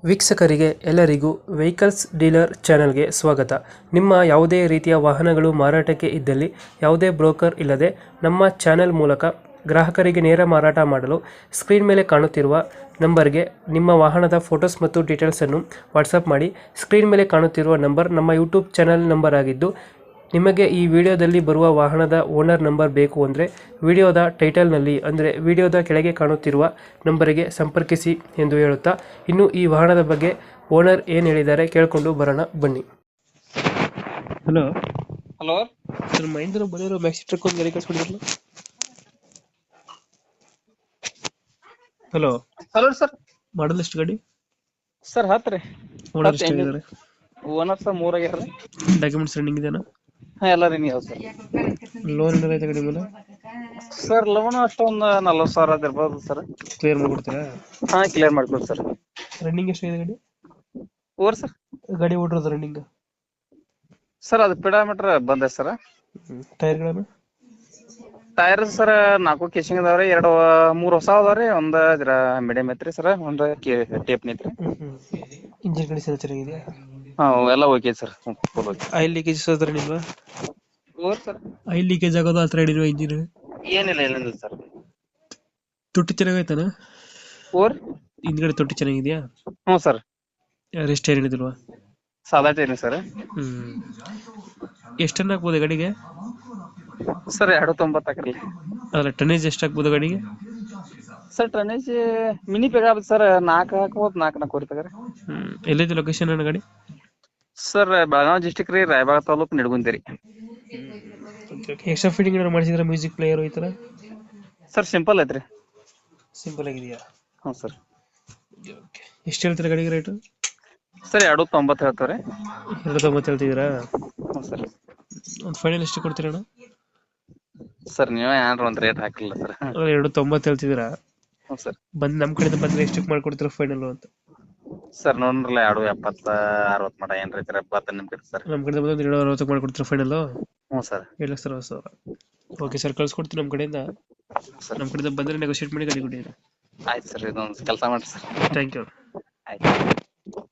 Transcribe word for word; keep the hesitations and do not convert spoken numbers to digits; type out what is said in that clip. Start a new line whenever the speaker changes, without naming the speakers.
ವೀಕ್ಷಕರಿಗೆ ಎಲ್ಲರಿಗೂ vehicles dealer ಚಾನೆಲ್ಗೆ ಸ್ವಾಗತ. ನಿಮ್ಮ ಯಾವುದೇ ರೀತಿಯ ವಾಹನಗಳು ಮಾರಾಟಕ್ಕೆ ಇದ್ದಲ್ಲಿ ಯಾವುದೇ ಬ್ರೋಕರ್ ಇಲ್ಲದೆ ನಮ್ಮ ಚಾನೆಲ್ ಮೂಲಕ ಗ್ರಾಹಕರಿಗೆ ನೇರ ಮಾರಾಟ ಮಾಡಲು ಸ್ಕ್ರೀನ್ ಮೇಲೆ ಕಾಣುತ್ತಿರುವ ನಂಬರ್ಗೆ ನಿಮ್ಮ ವಾಹನದ ಫೋಟೋಸ್ ಮತ್ತು ಡೀಟೇಲ್ಸನ್ನು ವಾಟ್ಸಪ್ ಮಾಡಿ. ಸ್ಕ್ರೀನ್ ಮೇಲೆ ಕಾಣುತ್ತಿರುವ ನಂಬರ್ ನಮ್ಮ ಯೂಟ್ಯೂಬ್ ಚಾನೆಲ್ ನಂಬರ್ ಆಗಿದ್ದು, ನಿಮಗೆ ಈ ವಿಡಿಯೋದಲ್ಲಿ ಬರುವ ವಾಹನದ ಓನರ್ ನಂಬರ್ ಬೇಕು ಅಂದರೆ ವಿಡಿಯೋದ ಟೈಟಲ್ನಲ್ಲಿ ಅಂದರೆ ವಿಡಿಯೋದ ಕೆಳಗೆ ಕಾಣುತ್ತಿರುವ ನಂಬರಿಗೆ ಸಂಪರ್ಕಿಸಿ ಎಂದು ಹೇಳುತ್ತಾ, ಇನ್ನು ಈ ವಾಹನದ ಬಗ್ಗೆ ಓನರ್ ಏನು ಹೇಳಿದ್ದಾರೆ ಕೇಳಿಕೊಂಡು ಬರೋಣ ಬನ್ನಿ. Hello
hello
sir, Mahindra Bolero maxi truck ಒಂದು ಗಾಡಿ ಕಳಿಸ್ಬಿಟ್ಟಿದ್ರಲ್ಲ. Hello
hello sir.
ಮಾಡಲ್ ಎಷ್ಟು ಗಾಡಿ?
ಸರ್ ಹತ್ತು ರೀ.
ಓನರ್ ಎಷ್ಟು ಆಗಿದ್ದಾರೆ?
ಓನರ್ ಸರ್ ಮೂರ್ ಆಗ್ಯಾರ ರೀ.
ಡಾಕ್ಯುಮೆಂಟ್ಸ್ ರನ್ನಿಂಗ್ ಇದೆಯಾ?
ಹಾ ಎಲ್ಲ ರೀ ನೀವು ಸರ್.
ಲೋನ್ ಏನಾರ ಐತೆ ಗಾಡಿ ಮೇಲೆ?
ಸರ್ ಲೋನ್ ಅಷ್ಟೊಂದು ನಲ್ವತ್ತು ಸಾವಿರ ಅದ್ ಇರ್ಬೋದು ಸರ್.
ಕ್ಲಿಯರ್ ಮಾಡ್ಕೊಡ್ತೀರಾ?
ಹಾ ಕ್ಲಿಯರ್ ಮಾಡ್ಕೊಡಿ ಸರ್.
ರನ್ನಿಂಗ್ ಎಷ್ಟಾಗಿದೆ ಗಾಡಿ?
ಓರ್ ಸರ್
ಗಾಡಿ ಓಡಿರೋದು ರನ್ನಿಂಗ್?
ಸರ್ ಅದು ಪಿಡಾಮೀಟರ್ ಬಂದೆ ಸರ್.
ಟೈರ್ಗಳನ್ನು?
ಟೈರ್ ಸರ್ ನಾಲ್ಕು ಕೇಸಿಂಗ್ ಅದಾವ್ರಿ, ಎರಡು ಮೂರ್ ಹೊಸ ಅದಾವ್ರಿ, ಒಂದ್ ಜರ ಮೀಡಿಯಂ ಐತ್ರಿ ಸರ್, ಒಂದ್ ಟೇಪ್ ಐತ್ರಿ.
ಇಂಜಿನ್ ಕಂಡೀಷನ್ ಚೆನ್ನಾಗಿದೆಯಾ?
ಹಾ ಎಲ್ಲ okay sir, full okay.
Oil leakage ಹತ್ರ ನಿಲ್ವಾ?
ಓರ್ ಸರ್
ಆಯಿಲ್ ಲೀಕೇಜ್ ಆಗೋದು ಆ ಥರ ಹಿಡಿಲ್ವಾ ಇಂಜಿನ್?
ಏನಿಲ್ಲ ಏನಿಲ್ಲ ಸರ್.
ತೊಟ್ಟಿ ಚೆನ್ನಾಗೈತಾನ?
ಓರ್
ಹಿಂದ್ಗಡೆ ತೊಟ್ಟಿ ಚೆನ್ನಾಗಿದೆಯಾ?
ಹ್ಞೂ ಸರ್.
ರೆಸ್ಟ್ ಏನ್ ಹಿಡಿದಿಲ್ವಾ?
ಸಾದಾ ಟೈರ್ ಸರ್.
ಹ್ಮ್ ಎಷ್ಟು ಟನ್ ಹಾಕ್ಬೋದು ಗಾಡಿಗೆ?
ಸರ್ ಎರಡು ತೊಂಬತ್ತು ಹಾಕ್ರಿ.
ಅದ್ರ ಟನ್ನೇಜ್ ಎಷ್ಟು ಹಾಕ್ಬೋದು ಗಾಡಿಗೆ?
ಸರ್ ಟನ್ನೇಜ್ ಮಿನಿ ಬೇಕಾಗುತ್ತೆ ಸರ್, ನಾಲ್ಕು ಹಾಕ್ಬೋದು, ನಾಲ್ಕು ನಾಲ್ಕೂವರೆ ತಗರಿ.
ಹ್ಮ್ ಎಲ್ಲಿದೆ ಲೊಕೇಶನ್ ಅಣ್ಣ ಗಾಡಿ?
ಸರ್ ಬೆಳಗಾವಿ ಡಿಸ್ಟಿಕ್ ರೀ, ರಾಯಬಾಗ ತಾಲೂಕು, ನಿಡಗುಂದಿ.
ಎಕ್ಸ್ಟ್ರಾ ಫಿಟ್ಟಿಂಗ್ ಏನಾದ್ರು ಮಾಡಿಸಿದ್ರೆ ಮ್ಯೂಸಿಕ್ ಪ್ಲೇಯರ್ ಈ ಥರ?
ಸರ್ ಸಿಂಪಲ್ ಐತ್ರಿ.
ಸಿಂಪಲ್ ಆಗಿದೆಯಾ?
ಹ್ಞೂ ಸರ್.
ಎಷ್ಟು ಹೇಳ್ತೀರಾ ಗಾಡಿಗೆ ರೇಟು?
ಸರ್ ಎರಡು ತೊಂಬತ್ತು ಹೇಳ್ತಾರೆ.
ಎರಡು ತೊಂಬತ್ತು ಹೇಳ್ತಿದ್ದೀರಾ?
ಹ್ಞೂ ಸರ್.
ಒಂದು ಫೈನಲ್ ಎಷ್ಟು ಕೊಡ್ತೀರಣ್ಣ?
ಸರ್ ನೀವೇ ಏನಾರ ಒಂದು ರೇಟ್ ಹಾಕಿಲ್ಲ ಸರ್.
ಎರಡು ತೊಂಬತ್ತು ಹೇಳ್ತಿದ್ದೀರಾ?
ಹ್ಞೂ ಸರ್.
ಬಂದು ನಮ್ಮ ಕಡೆಯಿಂದ ಬಂದರೆ ಎಷ್ಟಕ್ಕೆ ಮಾಡ್ಕೊಡ್ತೀರಾ ಫೈನಲ್ ಅಂತ?
ಸರ್ ನೋಡ್ರಲ್ಲ ಎರಡು ಎಪ್ಪತ್ತ ಅರವತ್ತು ಮಟ ಏನ್ ರೈತರ ಬರ್ತದೆ ನಿಮ್ಮ ಕಡೆ ಸರ್.
ನಮ್ಮ ಕಡೆಯಿಂದ ಬಂದ್ರೆ ಎರಡು ಅರವತ್ತಕ್ಕೆ ಮಾಡ್ಕೊಡ್ತೀರಾ ಫೈನಲ್?
ಹ್ಞೂ ಸರ್.
ಏಳು ಲಕ್ಷ ಅರವತ್ತು ಸಾವಿರ. ಓಕೆ ಸರ್, ಕಳ್ಸ್ಕೊಡ್ತೀನಿ ನಮ್ಮ ಕಡೆಯಿಂದ. ನಮ್ಮ ಕಡೆಯಿಂದ ಬಂದರೆ ನೆಗೋಷಿಯೇಟ್ ಮಾಡಿ ಗಾಡಿ ಕೊಡಿ.
ಆಯ್ತು ಸರ್, ಇದೊಂದು ಕೆಲಸ ಮಾಡಿ ಸರ್.
Thank you.